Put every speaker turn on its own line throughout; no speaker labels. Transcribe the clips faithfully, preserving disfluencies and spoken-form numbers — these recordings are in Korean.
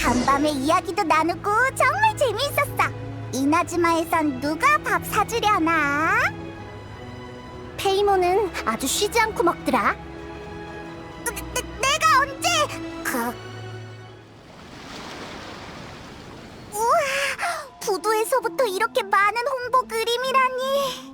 간밤에 이야기도 나누고 정말 재미있었어. 이나즈마에선 누가 밥 사주려나? 페이몬은 아주 쉬지 않고 먹더라. 내, 내, 내가 언제? 그... 우와, 부두에서부터 이렇게 많은 홍보 그림이라니.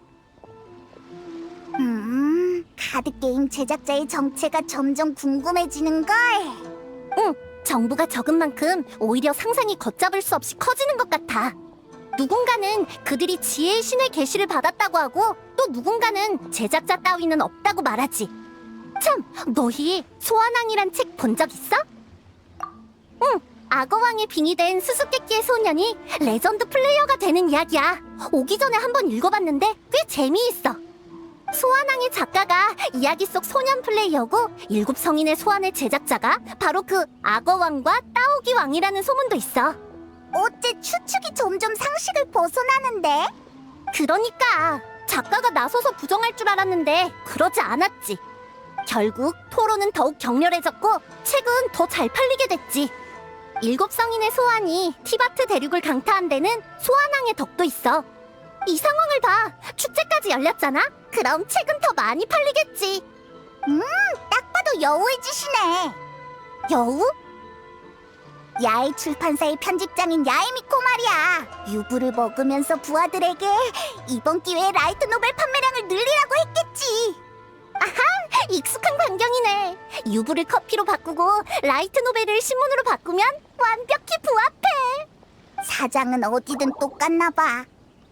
음, 카드게임 제작자의 정체가 점점 궁금해지는걸. 응, 정보가 적은 만큼 오히려 상상이 걷잡을 수 없이 커지는 것 같아. 누군가는 그들이 지혜의 신의 계시를 받았다고 하고, 또 누군가는 제작자 따위는 없다고 말하지. 참, 너희 소환왕이란 책 본 적 있어? 응, 악어왕에 빙의된 수수께끼의 소년이 레전드 플레이어가 되는 이야기야. 오기 전에 한번 읽어봤는데 꽤 재미있어. 소환왕의 작가가 이야기 속 소년 플레이어고, 일곱 성인의 소환의 제작자가 바로 그 악어왕과 따오기 왕이라는 소문도 있어. 어째 추측이 점점 상식을 벗어나는데? 그러니까 작가가 나서서 부정할 줄 알았는데 그러지 않았지. 결국 토론은 더욱 격렬해졌고 책은 더 잘 팔리게 됐지. 일곱 성인의 소환이 티바트 대륙을 강타한 데는 소환왕의 덕도 있어. 이 상황을 봐. 축제까지 열렸잖아? 그럼 책은 더 많이 팔리겠지. 음, 딱 봐도 여우의 짓이네. 여우? 야의 출판사의 편집장인 야에미코 말이야. 유부를 먹으면서 부하들에게 이번 기회에 라이트 노벨 판매량을 늘리라고 했겠지. 아하, 익숙한 광경이네. 유부를 커피로 바꾸고 라이트 노벨을 신문으로 바꾸면 완벽히 부합해. 사장은 어디든 똑같나 봐.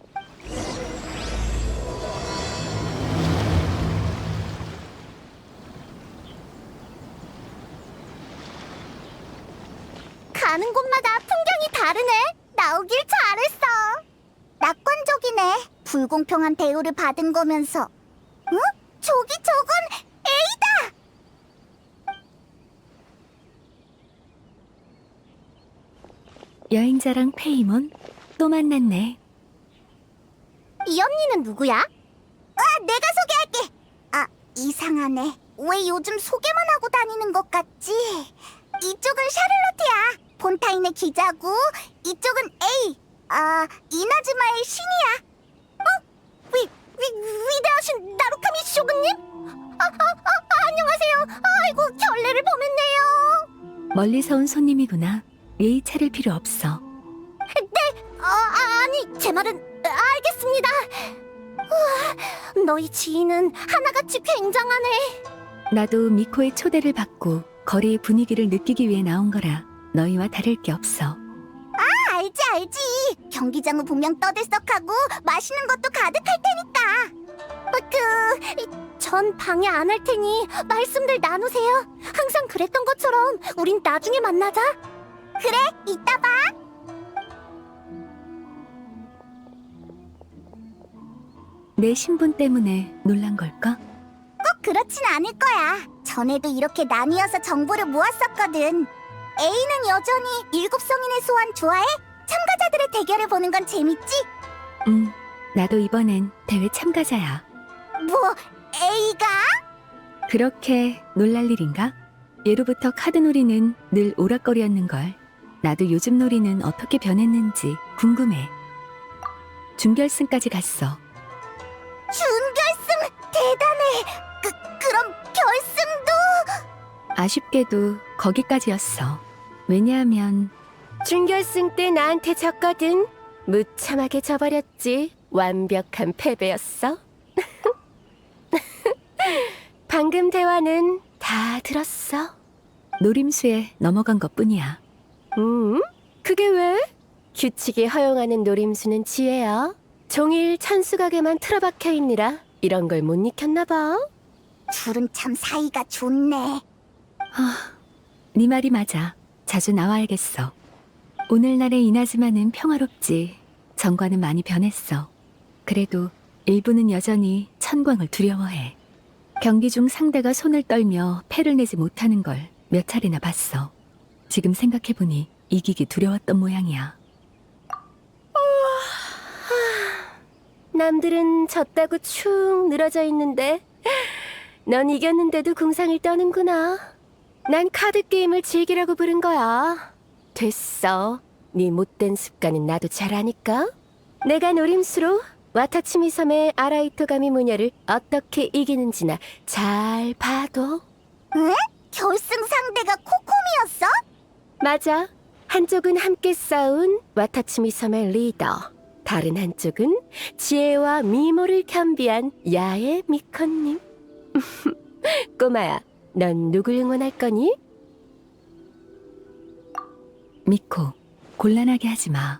가는 곳마다 풍경이 다르네. 나오길 잘했어. 낙관적이네. 불공평한 대우를 받은 거면서. 응? 저기 저건 A다!
여행자랑 페이몬 또 만났네.
이 언니는 누구야? 아, 내가 소개할게. 아, 이상하네. 왜 요즘 소개만 하고 다니는 것 같지? 이쪽은 샤를로트야. 폰타인의 기자고, 이쪽은 A. 아, 이나즈마의 신이야. 어? 위, 위, 위대하신 나루카미 쇼군님? 아, 아, 아, 안녕하세요. 아이고, 결례를 범했네요.
멀리서 온 손님이구나. 예의 차릴 필요 없어.
네, 어, 아, 아니, 제 말은 아, 알겠습니다. 우와, 너희 지인은 하나같이 굉장하네.
나도 미코의 초대를 받고 거리의 분위기를 느끼기 위해 나온 거라 너희와 다를 게 없어.
아, 알지, 알지. 경기장은 분명 떠들썩하고 맛있는 것도 가득할 테니까. 어, 그, 전 방해 안 할 테니 말씀들 나누세요. 항상 그랬던 것처럼 우린 나중에 만나자. 그래, 이따 봐.
내 신분 때문에 놀란 걸까?
꼭 그렇진 않을 거야. 전에도 이렇게 나뉘어서 정보를 모았었거든. A는 여전히 일곱 성인의 소환 좋아해? 참가자들의 대결을 보는 건 재밌지?
응, 나도 이번엔 대회 참가자야.
뭐, A가?
그렇게 놀랄 일인가? 예로부터 카드놀이는 늘 오락거리였는걸. 나도 요즘 놀이는 어떻게 변했는지 궁금해. 준결승까지 갔어.
준결승 대단해. 그, 그럼 결승도?
아쉽게도 거기까지였어. 왜냐하면
준결승 때 나한테 졌거든. 무참하게 져버렸지. 완벽한 패배였어. 방금 대화는 다 들었어.
노림수에 넘어간 것뿐이야.
음? 그게 왜? 규칙이 허용하는 노림수는 지혜야. 종일 천수각에만 틀어박혀 있느라 이런 걸 못 익혔나 봐.
둘은 참 사이가 좋네.
아, 네 말이 맞아. 자주 나와야겠어. 오늘날의 이나즈마는 평화롭지. 전과는 많이 변했어. 그래도 일부는 여전히 천광을 두려워해. 경기 중 상대가 손을 떨며 패를 내지 못하는 걸 몇 차례나 봤어. 지금 생각해보니 이기기 두려웠던 모양이야.
남들은 졌다고 축 늘어져 있는데 넌 이겼는데도 궁상을 떠는구나. 난 카드게임을 즐기라고 부른 거야. 됐어. 네 못된 습관은 나도 잘 아니까. 내가 노림수로 와타치미 섬의 아라이토가미 무녀를 어떻게 이기는지나 잘 봐도.
응? 결승 상대가 코코미였어?
맞아. 한쪽은 함께 싸운 와타치미 섬의 리더, 다른 한쪽은 지혜와 미모를 겸비한 야의 미컨님. 꼬마야, 넌 누굴 응원할 거니?
미코, 곤란하게 하지 마.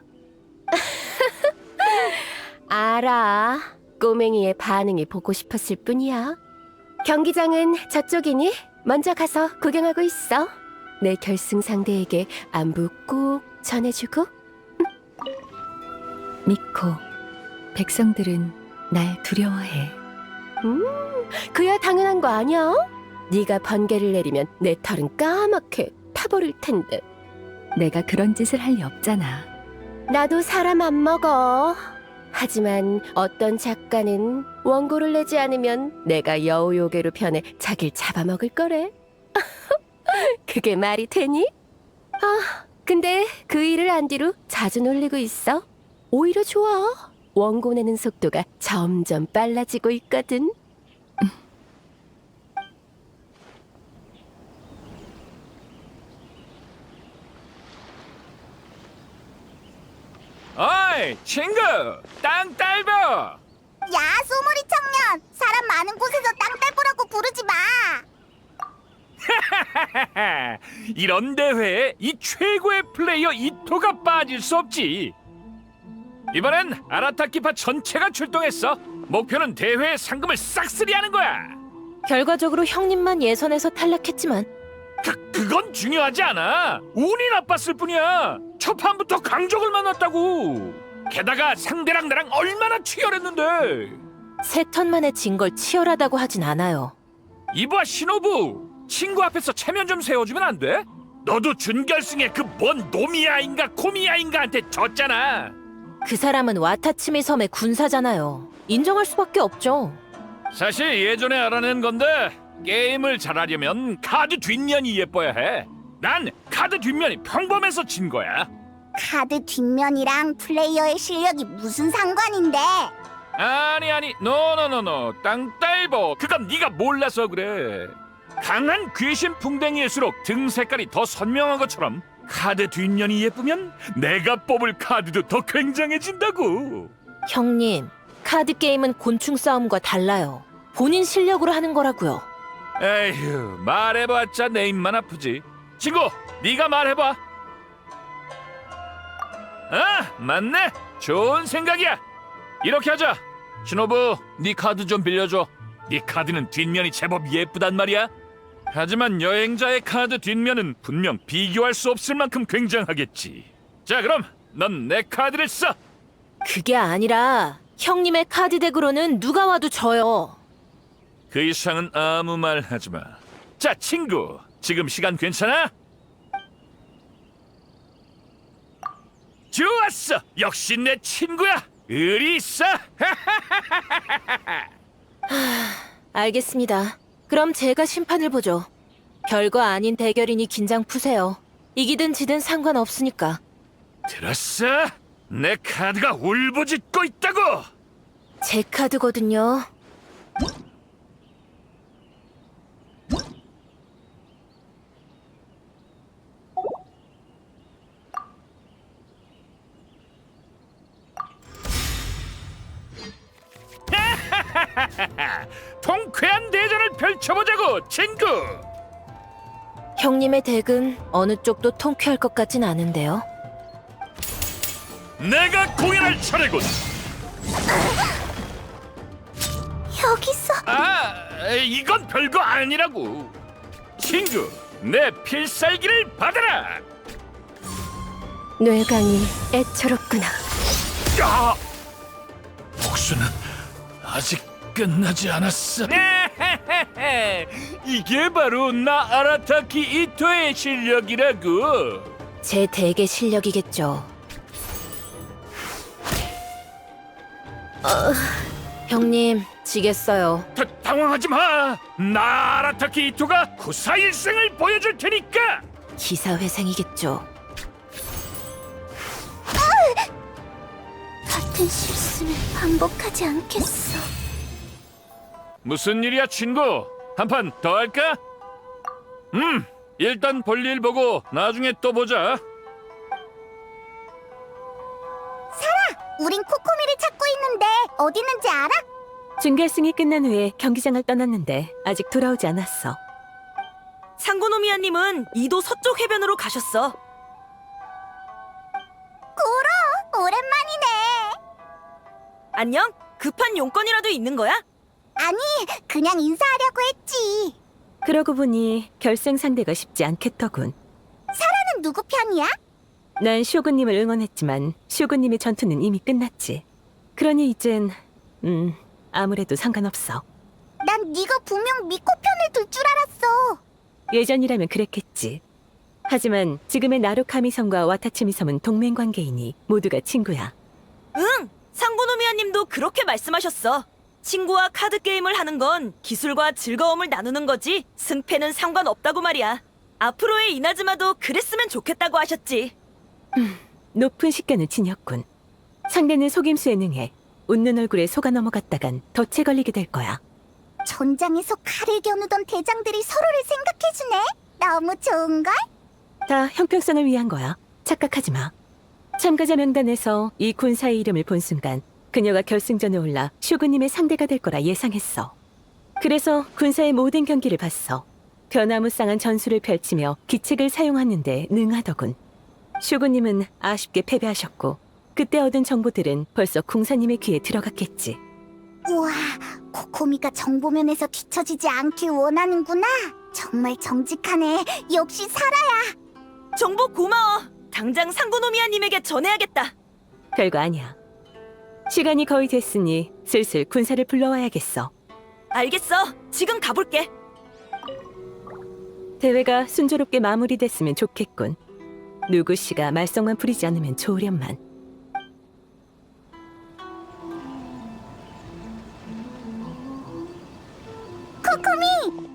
알아. 꼬맹이의 반응이 보고 싶었을 뿐이야. 경기장은 저쪽이니 먼저 가서 구경하고 있어. 내 결승 상대에게 안부 꼭 전해주고.
미코, 백성들은 날 두려워해.
음, 그야 당연한 거 아니야? 네가 번개를 내리면 내 털은 까맣게 타버릴 텐데.
내가 그런 짓을 할 리 없잖아.
나도 사람 안 먹어. 하지만 어떤 작가는 원고를 내지 않으면 내가 여우요괴로 변해 자기를 잡아먹을 거래. 그게 말이 되니? 아, 근데 그 일을 안 뒤로 자주 놀리고 있어. 오히려 좋아. 원고 내는 속도가 점점 빨라지고 있거든.
어이 친구 땅 딸보.
야, 소머리 청년! 사람 많은 곳에서 땅딸보라고 부르지 마!
이런 대회에 이 최고의 플레이어 이토가 빠질 수 없지. 이번엔 아라타키파 전체가 출동했어. 목표는 대회의 상금을 싹쓸이하는 거야.
결과적으로 형님만 예선에서 탈락했지만
그, 그건 중요하지 않아. 운이 나빴을 뿐이야. 첫 판부터 강적을 만났다고. 게다가 상대랑 나랑 얼마나 치열했는데.
세 턴 만에 진 걸 치열하다고 하진 않아요.
이봐 신호부, 친구 앞에서 체면 좀 세워주면 안 돼? 너도 준결승에 그 뭔 노미야인가 코미야인가한테 졌잖아.
그 사람은 와타치미 섬의 군사잖아요. 인정할 수밖에 없죠.
사실 예전에 알아낸 건데 게임을 잘하려면 카드 뒷면이 예뻐야 해. 난 카드 뒷면이 평범해서 진 거야.
카드 뒷면이랑 플레이어의 실력이 무슨 상관인데?
아니 아니 노노노노 땅딸보, 그건 네가 몰라서 그래. 강한 귀신 풍뎅이일수록 등 색깔이 더 선명한 것처럼 카드 뒷면이 예쁘면 내가 뽑을 카드도 더 굉장해진다고.
형님, 카드 게임은 곤충 싸움과 달라요. 본인 실력으로 하는 거라고요.
에휴, 말해봤자 내 입만 아프지. 친구, 네가 말해봐. 아, 맞네. 좋은 생각이야. 이렇게 하자. 신호부, 네 카드 좀 빌려줘. 네 카드는 뒷면이 제법 예쁘단 말이야. 하지만 여행자의 카드 뒷면은 분명 비교할 수 없을 만큼 굉장하겠지. 자, 그럼 넌 내 카드를 써.
그게 아니라 형님의 카드 덱으로는 누가 와도 져요.
그 이상은 아무 말 하지 마. 자, 친구, 지금 시간 괜찮아? 좋았어. 역시 내 친구야. 의리 있어.
알겠습니다. 그럼 제가 심판을 보죠. 별거 아닌 대결이니 긴장 푸세요. 이기든 지든 상관없으니까.
들었어? 내 카드가 울부짖고 있다고.
제 카드거든요.
통쾌한 대전을 펼쳐보자고, 친구.
형님의 덱은 어느 쪽도 통쾌할 것 같진 않은데요.
내가 공연할 차례군.
여기서
아, 이건 별거 아니라고. 친구, 내 필살기를 받아라.
뇌강이 애처롭구나.
야! 복수는 아직 끝나지 않았어. 이게 바로 나 아라타키 이토의 실력이라고.
제 덱의 실력이겠죠. 어, 형님, 지겠어요.
다, 당황하지 마. 나 아라타키 이토가 구사일생을 보여줄 테니까.
기사회생이겠죠.
같은 실수는 반복하지 않겠어.
무슨 일이야, 친구? 한 판 더 할까? 음, 일단 볼일 보고 나중에 또 보자.
우린 코코미를 찾고 있는데 어디 있는지 알아?
준결승이 끝난 후에 경기장을 떠났는데 아직 돌아오지 않았어.
상고노미아님은 이도 서쪽 해변으로 가셨어.
고로, 오랜만이네.
안녕? 급한 용건이라도 있는 거야?
아니, 그냥 인사하려고 했지.
그러고 보니 결승 상대가 쉽지 않겠더군.
나는 누구 편이야?
난 쇼군님을 응원했지만 쇼군님의 전투는 이미 끝났지. 그러니 이젠 음 아무래도 상관없어.
난 네가 분명 미코 편을 들 줄 알았어.
예전이라면 그랬겠지. 하지만 지금의 나루카미 섬과 와타치미 섬은 동맹 관계이니 모두가 친구야.
응! 상고노미아님도 그렇게 말씀하셨어. 친구와 카드 게임을 하는 건 기술과 즐거움을 나누는 거지 승패는 상관없다고 말이야. 앞으로의 이나즈마도 그랬으면 좋겠다고 하셨지.
높은 식견을 지녔군. 상대는 속임수에 능해 웃는 얼굴에 속아 넘어갔다간 덫에 걸리게 될 거야.
전장에서 칼을 겨누던 대장들이 서로를 생각해주네. 너무 좋은걸?
다 형평성을 위한 거야. 착각하지 마. 참가자 명단에서 이 군사의 이름을 본 순간 그녀가 결승전에 올라 쇼군님의 상대가 될 거라 예상했어. 그래서 군사의 모든 경기를 봤어. 변화무쌍한 전술을 펼치며 기책을 사용하는데 능하더군. 쇼군님은 아쉽게 패배하셨고 그때 얻은 정보들은 벌써 궁사님의 귀에 들어갔겠지.
우와, 코코미가 정보면에서 뒤처지지 않길 원하는구나. 정말 정직하네. 역시 사라야.
정보 고마워. 당장 상고노미아님에게 전해야겠다.
별거 아니야. 시간이 거의 됐으니 슬슬 군사를 불러와야겠어.
알겠어. 지금 가볼게.
대회가 순조롭게 마무리됐으면 좋겠군. 누구 씨가 말썽만 부리지 않으면 좋으련만.
코코미!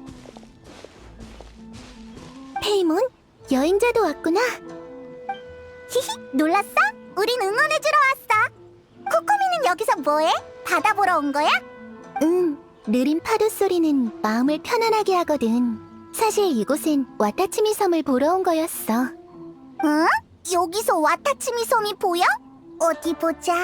페이몬, 여행자도 왔구나. 히히, 놀랐어? 우린 응원해주러 왔어. 코코미는 여기서 뭐해? 바다 보러 온 거야? 응, 느린 파도 소리는 마음을 편안하게 하거든. 사실 이곳엔 와타치미 섬을 보러 온 거였어. 응? 여기서 와타치미 섬이 보여? 어디 보자.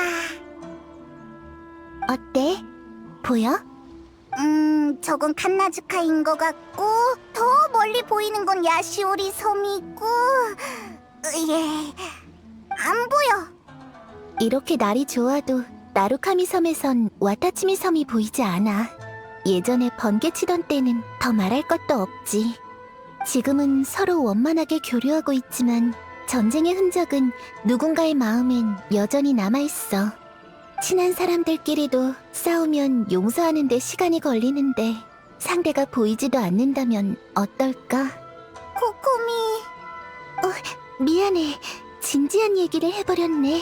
어때? 보여? 음, 저건 칸나즈카인 것 같고 더 멀리 보이는 건 야시오리 섬이고 예, 안 보여. 이렇게 날이 좋아도 나루카미 섬에선 와타치미 섬이 보이지 않아. 예전에 번개치던 때는 더 말할 것도 없지. 지금은 서로 원만하게 교류하고 있지만 전쟁의 흔적은 누군가의 마음엔 여전히 남아있어. 친한 사람들끼리도 싸우면 용서하는 데 시간이 걸리는데 상대가 보이지도 않는다면 어떨까? 코코미... 어, 미안해. 진지한 얘기를 해버렸네.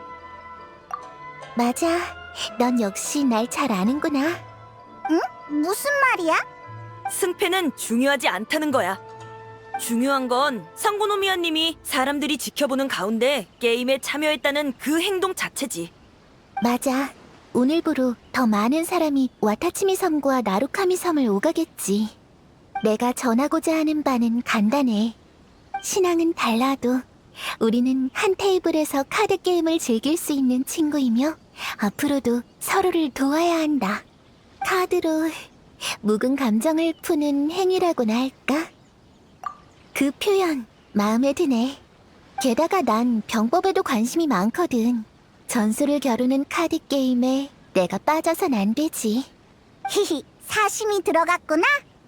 맞아. 넌 역시 날 잘 아는구나. 응? 무슨 말이야?
승패는 중요하지 않다는 거야. 중요한 건 상고노미아님이 사람들이 지켜보는 가운데 게임에 참여했다는 그 행동 자체지.
맞아. 오늘부로 더 많은 사람이 와타치미 섬과 나루카미 섬을 오가겠지. 내가 전하고자 하는 바는 간단해. 신앙은 달라도 우리는 한 테이블에서 카드 게임을 즐길 수 있는 친구이며 앞으로도 서로를 도와야 한다. 카드로 묵은 감정을 푸는 행위라고나 할까? 그 표현 마음에 드네. 게다가 난 병법에도 관심이 많거든. 전술을 겨루는 카드 게임에 내가 빠져선 안 되지. 히히, 사심이 들어갔구나?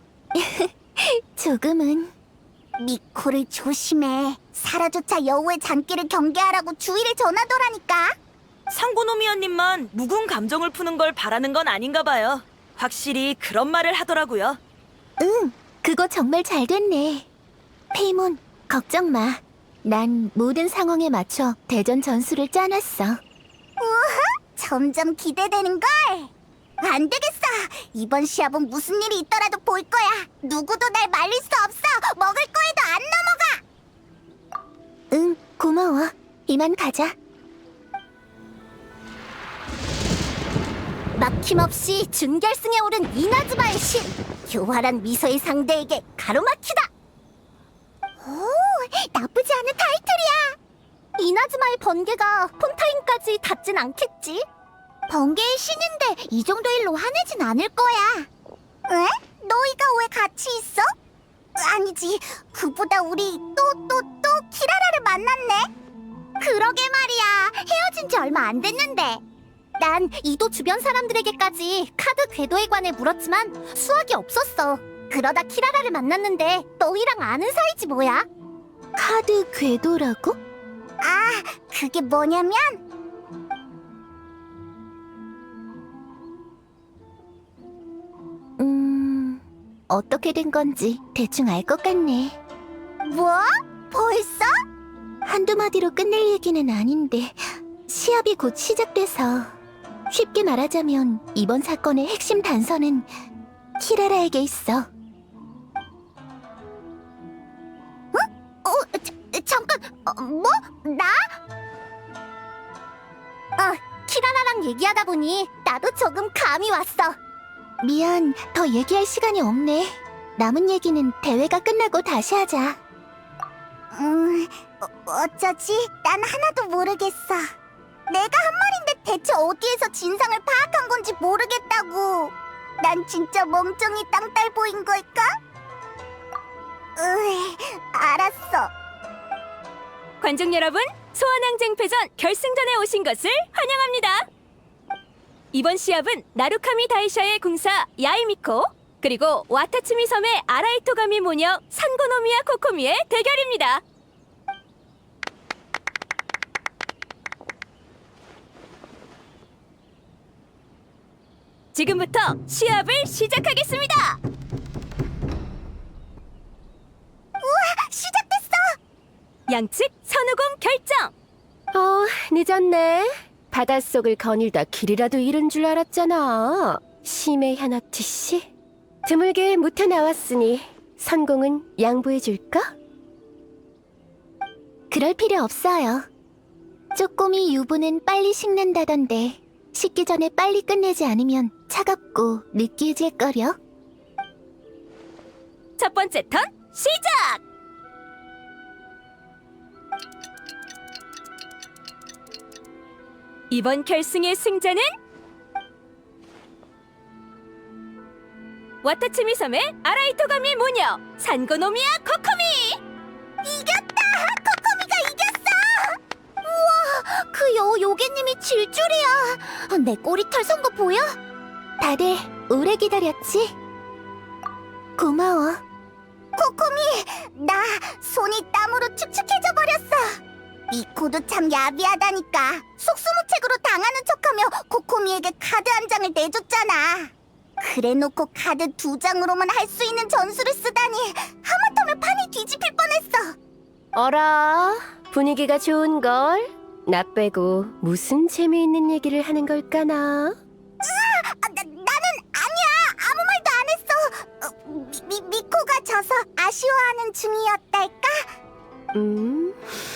조금은. 미코를 조심해. 사라조차 여우의 잔기를 경계하라고 주의를 전하더라니까.
상고노미아님만 묵은 감정을 푸는 걸 바라는 건 아닌가 봐요. 확실히 그런 말을 하더라고요.
응, 그거 정말 잘 됐네. 페이몬, 걱정 마. 난 모든 상황에 맞춰 대전 전술을 짜놨어. 우와, 점점 기대되는걸. 안 되겠어. 이번 시합은 무슨 일이 있더라도 볼 거야. 누구도 날 말릴 수 없어. 먹을 거에도 안 넘어가. 응, 고마워. 이만 가자. 막힘없이 준결승에 오른 이나즈마의 신! 교활한 미소의 상대에게 가로막히다! 오, 나쁘지 않은 타이틀이야! 이나즈마의 번개가 폰타인까지 닿진 않겠지? 번개의 신인데 이 정도 일로 화내진 않을 거야. 왜? 너희가 왜 같이 있어? 아니지, 그보다 우리 또 또 또 키라라를 만났네? 그러게 말이야, 헤어진 지 얼마 안 됐는데. 난 이도 주변 사람들에게까지 카드 궤도에 관해 물었지만 수확이 없었어. 그러다 키라라를 만났는데 너희랑 아는 사이지 뭐야? 카드 궤도라고? 아, 그게 뭐냐면 음... 어떻게 된 건지 대충 알 것 같네. 뭐? 벌써? 한두 마디로 끝낼 얘기는 아닌데 시합이 곧 시작돼서 쉽게 말하자면 이번 사건의 핵심 단서는 키라라에게 있어. 어? 어, 자, 잠깐, 어, 뭐? 나? 어, 키라라랑 얘기하다 보니 나도 조금 감이 왔어. 미안, 더 얘기할 시간이 없네. 남은 얘기는 대회가 끝나고 다시 하자. 음, 어, 어쩌지? 난 하나도 모르겠어. 내가 한 말인데 대체 어디에서 진상을 파악한 건지 모르겠다고. 난 진짜 멍청이 땅딸 보인 걸까? 으이, 알았어.
관중 여러분, 소환항쟁패전 결승전에 오신 것을 환영합니다. 이번 시합은 나루카미 다이샤의 궁사 야이미코 그리고 와타츠미 섬의 아라이토가미 모녀 산고노미야 코코미의 대결입니다. 지금부터 시합을 시작하겠습니다.
시작됐어!
양측 선우공 결정! 어, 늦었네. 바닷속을 거닐다 길이라도 잃은 줄 알았잖아. 심해 현업티 씨. 드물게 무태 나왔으니 선공은 양보해줄까?
그럴 필요 없어요. 쪼꼬미 유부는 빨리 식는다던데 식기 전에 빨리 끝내지 않으면 차갑고 느끼해질거려.
첫 번째 턴 시작! 이번 결승의 승자는 와타츠미 섬의 아라이토가미 모녀 산고노미야 코코미!
이겼다! 코코미가 이겼어! 우와, 그 여, 요괴님이 질 줄이야. 내 꼬리털 선 거 보여? 다들 오래 기다렸지? 고마워. 코코미, 나 손이 땀으로 축축해져 버렸어. 미코도 참 야비하다니까. 속수무책으로 당하는 척하며 코코미에게 카드 한 장을 내줬잖아. 그래놓고 카드 두 장으로만 할 수 있는 전술을 쓰다니 하마터면 판이 뒤집힐 뻔했어.
어라, 분위기가 좋은걸? 나 빼고 무슨 재미있는 얘기를 하는 걸까나?
아, 나, 나는 아니야. 아무 말도 안 했어. 어, 미, 미코가 져서 아쉬워하는 중이었달까?
음...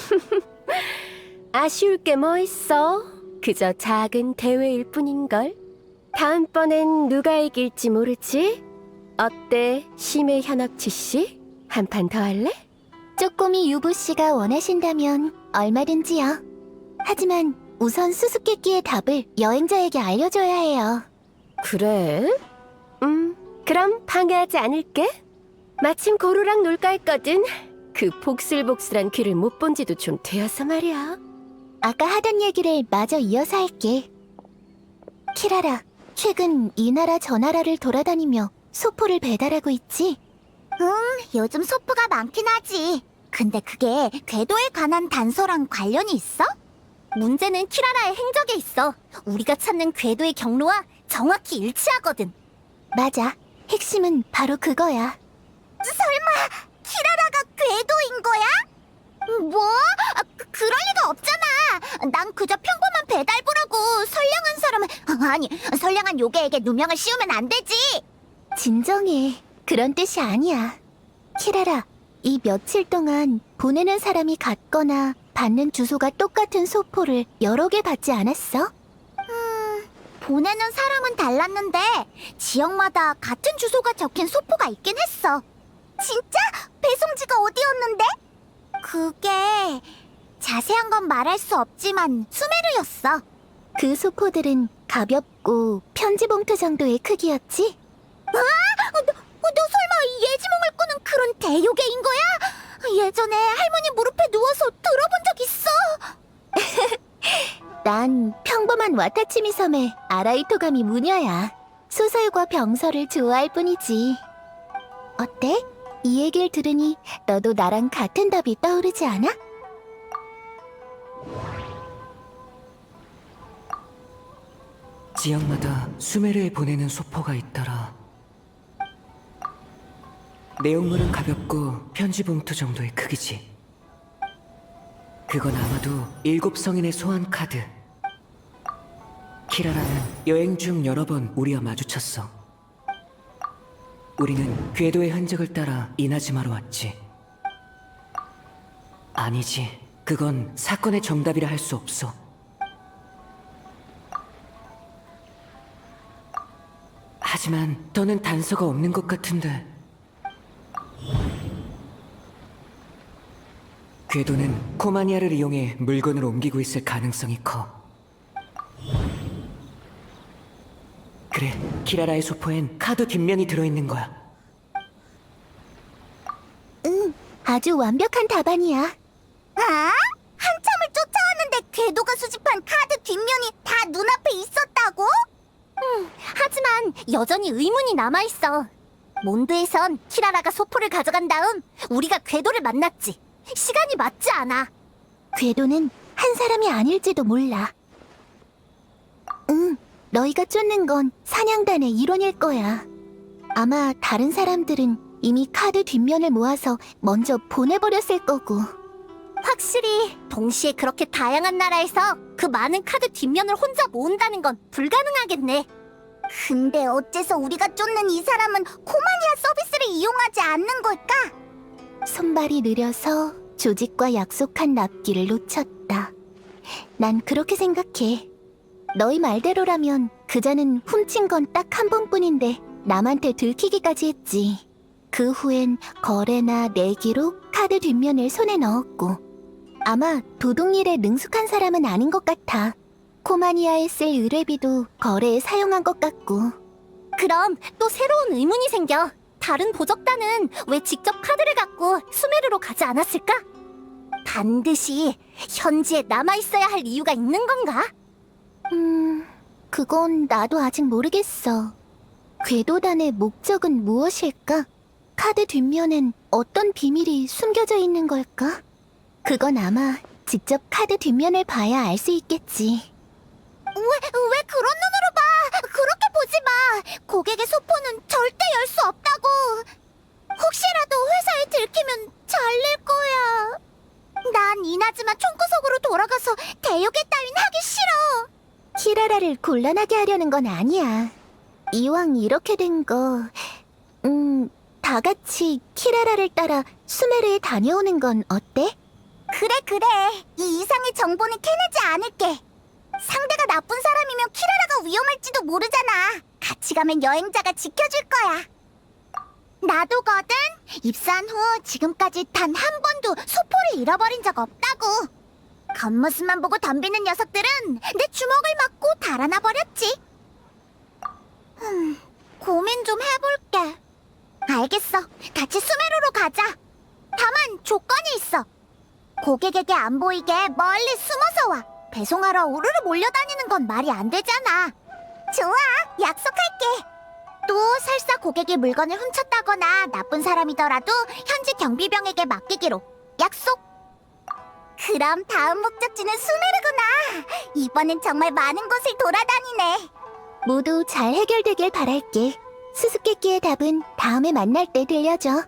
아쉬울 게 뭐 있어? 그저 작은 대회일 뿐인걸? 다음번엔 누가 이길지 모르지? 어때, 심해 현업치 씨? 한 판 더 할래?
쪼꼬미 유부씨가 원하신다면 얼마든지요. 하지만 우선 수수께끼의 답을 여행자에게 알려줘야 해요.
그래? 음, 그럼 방해하지 않을게. 마침 고루랑 놀까 했거든. 그 복슬복슬한 귀를 못 본 지도 좀 되어서 말이야.
아까 하던 얘기를 마저 이어서 할게. 키라라, 최근 이 나라 저 나라를 돌아다니며 소포를 배달하고 있지? 응, 요즘 소포가 많긴 하지. 근데 그게 궤도에 관한 단서랑 관련이 있어? 문제는 키라라의 행적에 있어. 우리가 찾는 궤도의 경로와 정확히 일치하거든. 맞아. 핵심은 바로 그거야. 설마 키라라가 궤도인 거야? 뭐? 아, 그, 그럴 리가 없잖아. 난 그저 평범한 배달부라고. 선량한 사람은 아니, 선량한 요괴에게 누명을 씌우면 안 되지. 진정해. 그런 뜻이 아니야. 키라라, 이 며칠 동안 보내는 사람이 같거나 받는 주소가 똑같은 소포를 여러 개 받지 않았어? 음, 보내는 사람은 달랐는데 지역마다 같은 주소가 적힌 소포가 있긴 했어. 진짜? 배송지가 어디였는데? 그게 자세한 건 말할 수 없지만 수메르였어. 그 소포들은 가볍고 편지 봉투 정도의 크기였지? 아? 너, 너 설마 예지몽을 꾸는 그런 대요괴인 거야? 예전에 할머니 무릎에 누워서 들어본 적 있어. 난 평범한 와타치미 섬의 아라이토가미 무녀야. 소설과 병설을 좋아할 뿐이지. 어때? 이 얘기를 들으니 너도 나랑 같은 답이 떠오르지 않아?
지역마다 수메르에 보내는 소포가 있더라. 내용물은 가볍고 편지 봉투 정도의 크기지. 그건 아마도 일곱 성인의 소환 카드. 키라라는 여행 중 여러 번 우리와 마주쳤어. 우리는 궤도의 흔적을 따라 이나즈마로 왔지. 아니지, 그건 사건의 정답이라 할 수 없어. 하지만 더는 단서가 없는 것 같은데. 궤도는 코마니아를 이용해 물건을 옮기고 있을 가능성이 커. 그래, 키라라의 소포엔 카드 뒷면이 들어있는 거야.
응, 아주 완벽한 답안이야. 아? 한참을 쫓아왔는데 궤도가 수집한 카드 뒷면이 다 눈앞에 있었다고? 음, 하지만 여전히 의문이 남아있어. 몬드에선 키라라가 소포를 가져간 다음 우리가 궤도를 만났지. 시간이 맞지 않아. 궤도는 한 사람이 아닐지도 몰라. 응, 너희가 쫓는 건 사냥단의 일원일 거야. 아마 다른 사람들은 이미 카드 뒷면을 모아서 먼저 보내버렸을 거고. 확실히 동시에 그렇게 다양한 나라에서 그 많은 카드 뒷면을 혼자 모은다는 건 불가능하겠네. 근데 어째서 우리가 쫓는 이 사람은 코마니아 서비스를 이용하지 않는 걸까? 손발이 느려서 조직과 약속한 납기를 놓쳤다. 난 그렇게 생각해. 너희 말대로라면 그자는 훔친 건 딱 한 번뿐인데 남한테 들키기까지 했지. 그 후엔 거래나 내기로 카드 뒷면을 손에 넣었고. 아마 도둑일에 능숙한 사람은 아닌 것 같아. 코마니아에 쓸 의뢰비도 거래에 사용한 것 같고. 그럼 또 새로운 의문이 생겨. 다른 보적단은 왜 직접 카드를 갖고 수메르로 가지 않았을까? 반드시 현지에 남아있어야 할 이유가 있는 건가? 음... 그건 나도 아직 모르겠어. 궤도단의 목적은 무엇일까? 카드 뒷면엔 어떤 비밀이 숨겨져 있는 걸까? 그건 아마 직접 카드 뒷면을 봐야 알 수 있겠지. 왜, 왜 그런 눈으로 봐? 그렇게 보지 마. 고객의 소포는 절대 열 수 없다고. 혹시라도 회사에 들키면 잘릴 거야. 난 이나즈마 총구석으로 돌아가서 대요괴 따윈 하기 싫어. 키라라를 곤란하게 하려는 건 아니야. 이왕 이렇게 된 거, 음, 다 같이 키라라를 따라 수메르에 다녀오는 건 어때? 그래, 그래. 이 이상의 정보는 캐내지 않을게. 상대가 나쁜 사람이면 키라라가 위험할지도 모르잖아. 같이 가면 여행자가 지켜줄 거야. 나도거든. 입사한 후 지금까지 단 한 번도 소포를 잃어버린 적 없다고. 겉모습만 보고 덤비는 녀석들은 내 주먹을 맞고 달아나 버렸지. 음, 고민 좀 해볼게. 알겠어. 같이 수메르로 가자. 다만 조건이 있어. 고객에게 안 보이게 멀리 숨어서 와. 배송하러 우르르 몰려다니는 건 말이 안 되잖아. 좋아, 약속할게. 또 설사 고객이 물건을 훔쳤다거나 나쁜 사람이더라도 현지 경비병에게 맡기기로. 약속. 그럼 다음 목적지는 수메르구나. 이번엔 정말 많은 곳을 돌아다니네. 모두 잘 해결되길 바랄게. 수수께끼의 답은 다음에 만날 때 들려줘.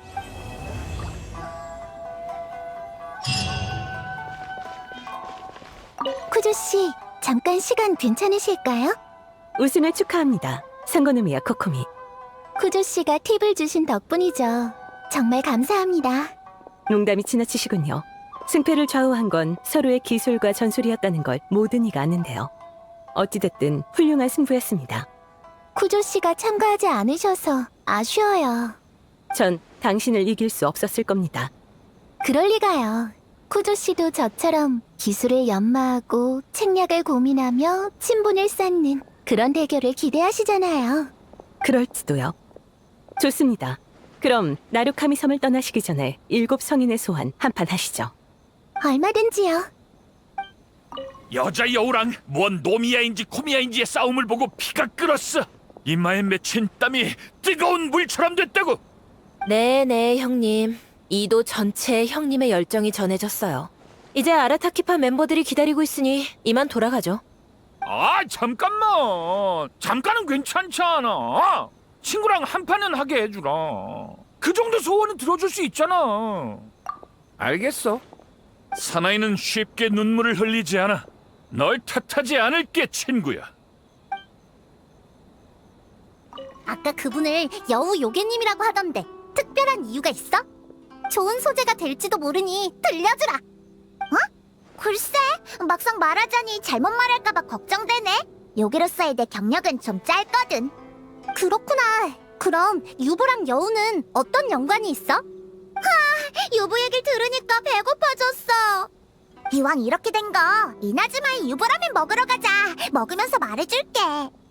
쿠조 씨, 잠깐 시간 괜찮으실까요?
우승을 축하합니다. 상고노미야 코코미.
쿠조 씨가 팁을 주신 덕분이죠. 정말 감사합니다.
농담이 지나치시군요. 승패를 좌우한 건 서로의 기술과 전술이었다는 걸 모든 이가 아는데요. 어찌됐든 훌륭한 승부였습니다.
쿠조 씨가 참가하지 않으셔서 아쉬워요.
전 당신을 이길 수 없었을 겁니다.
그럴 리가요. 쿠조 씨도 저처럼 기술을 연마하고 책략을 고민하며 친분을 쌓는 그런 대결을 기대하시잖아요.
그럴지도요. 좋습니다. 그럼 나루카미 섬을 떠나시기 전에 일곱 성인의 소환 한판 하시죠.
얼마든지요.
여자 여우랑 뭔 노미야인지 코미야인지의 싸움을 보고 피가 끓었어. 이마에 맺힌 땀이 뜨거운 물처럼 됐다고.
네네, 형님. 이도 전체에 형님의 열정이 전해졌어요. 이제 아라타키파 멤버들이 기다리고 있으니 이만 돌아가죠.
아 잠깐만. 잠깐은 괜찮잖아. 친구랑 한 판은 하게 해주라. 그 정도 소원은 들어줄 수 있잖아. 알겠어. 사나이는 쉽게 눈물을 흘리지 않아. 널 탓하지 않을게, 친구야.
아까 그분을 여우 요괴님이라고 하던데 특별한 이유가 있어? 좋은 소재가 될지도 모르니 들려주라. 어? 글쎄, 막상 말하자니 잘못 말할까봐 걱정되네. 요괴로서의 내 경력은 좀 짧거든. 그렇구나. 그럼 유부랑 여우는 어떤 연관이 있어? 하, 유부 얘기를 들으니까 배고파졌어. 이왕 이렇게 된 거 이나즈마의 유부라면 먹으러 가자. 먹으면서 말해줄게.